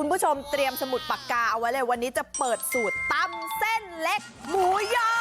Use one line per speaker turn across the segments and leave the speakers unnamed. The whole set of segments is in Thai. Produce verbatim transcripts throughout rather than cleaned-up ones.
คุณผู้ชมเตรียมสมุดปากกาเอาไว้เลยวันนี้จะเปิดสูตรตำเส้นเล็กหมูยอ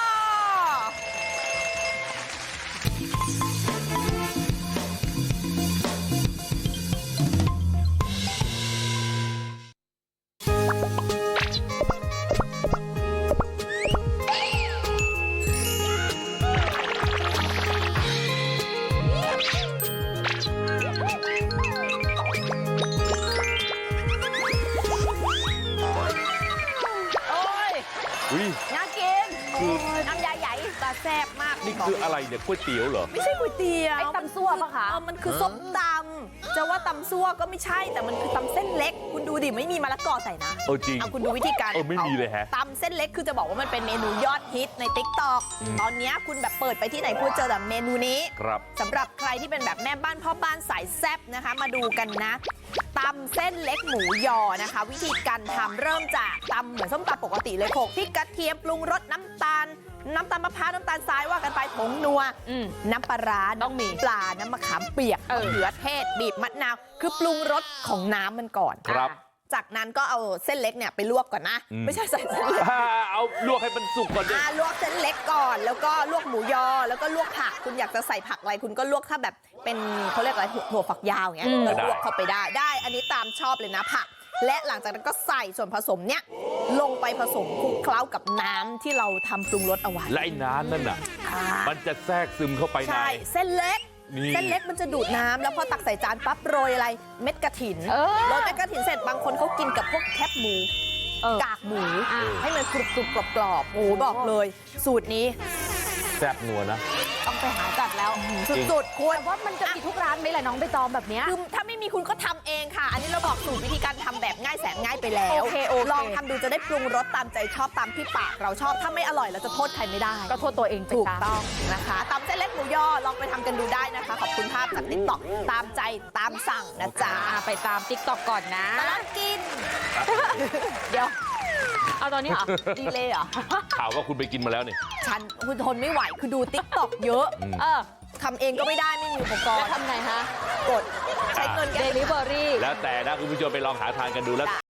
น่ากินน้ำยาใหญ่ตาแซ่บมาก
นี่คืออะไรเนี่ยก๋วยเตี๋ยวเหรอ
ไม่ใช่ก๋วยเตี๋ยว
ไอ้ตำซั่วปะคะ
เออมันคือส้มตำจะว่าตำซั่วก็ไม่ใช่แต่มันคือตำเส้นเล็กคุณดูดิไม่มีมะละกอใส่นะ
เออจริง
เอาคุณดูวิธีการ
เออไม่มีเลยฮะ
ตำเส้นเล็กคือจะบอกว่ามันเป็นเมนูยอดฮิตใน ติ๊กต็อก ตอนนี้คุณแบบเปิดไปที่ไหนคุณเจอแต่เมนูนี้
ครับ
สำหรับใครที่เป็นแบบแม่บ้านพ่อบ้านสายแซ่บนะคะมาดูกันนะตำเส้นเล็กหมูยอนะคะ วิธีการทำเริ่มจากตำเหมือนส้มตำปกติเลยโขลกพริกกระเทียมปรุงรสน้ำตาลน้ำตาลมะพร้าวน้ำตาลทรายว่ากันไปผงนัวน้ำปลาร้าต้องมีปลาน้ำมะขามเปียกมะเขือเทศบีบมะนาวคือปรุงรสของน้ำมันก่อน
ครับ
จากนั้นก็เอาเส้นเล็กเนี่ยไปลวกก่อนนะไม่ใช่ใส่เส้นเล็ก
เอาลวกให้มันสุกก่อนดิ
ลวกเส้นเล็กก่อนแล้วก็ลวกหมูยอแล้วก็ลวกผักคุณอยากจะใส่ผักอะไรคุณก็ลวกถ้าแบบเป็นเขาเรียกอะไรถั่วฝักยาวอย่างเงี้ยก็ลวกเข้าไปได้ได้อันนี้ตามชอบเลยนะผักและหลังจากนั้นก็ใส่ส่วนผสมเนี้ยลงไปผสมคลุกเคล้ากับน้ำที่เราทำปรุงรสเอาไว้
และไอ้น้ำนั่นน่ะมันจะแทรกซึมเข้าไปใน
ใช่เส้นเล็กเส้นเล็กมันจะดูดน้ำแล้วพอตักใส่จานปั๊บโรยอะไรเม็ดกระถินโรยเม็ดกระถินเสร็จบางคนเขากินกับพวกแคบหมูกากหมูให้มันกรุบกรุบกรอบกรอบโอ้บอกเลยสูตรนี้
แซ่บนัวนะ
ต้องไปหาจัดแล้ว
สุดๆควร
ว่ามันจะมีทุกร้านไหมล่ะน้องใบตองแบบนี้
คือถ้าไม่มีคุณก็ทำเองค่ะอันนี้เราบอกสูตรวิธีการทำแบบง่ายแสนง่ายไปแล้ว
โอเคโอเค
ลองทำดูจะได้ปรุงรสตามใจชอบตามที่ปากเราชอบถ้าไม่อร่อยเราจะโทษใครไม่ได้
ก็โทษตัวเอง
ถูกต้องนะคะตำเส้นเล็กหมูยอลองไปทำกันดูได้นะคะขอบคุณภาพจากติ๊กต็อกตามใจตามสั่งนะจ๊ะ
ไปตามติ๊กต็อกก่อนนะ
ตลอดกิน
เดี๋ยวเอาตอนนี้เหรอ
ดีเลยเหรอ
ข่าวว่าคุณไปกินมาแล้วนี่
ฉันคุณทนไม่ไหวคือดูติ๊กต็อกเยอะเออทำเองก็ไม่ได้ไม่มีอุปกรณ์
ทำไงฮะ
กดใช้เงิน
เดลิเวอรี่
แล้วแต่นะคุณผู้ชมไปลองหาทานกันดูแล้ว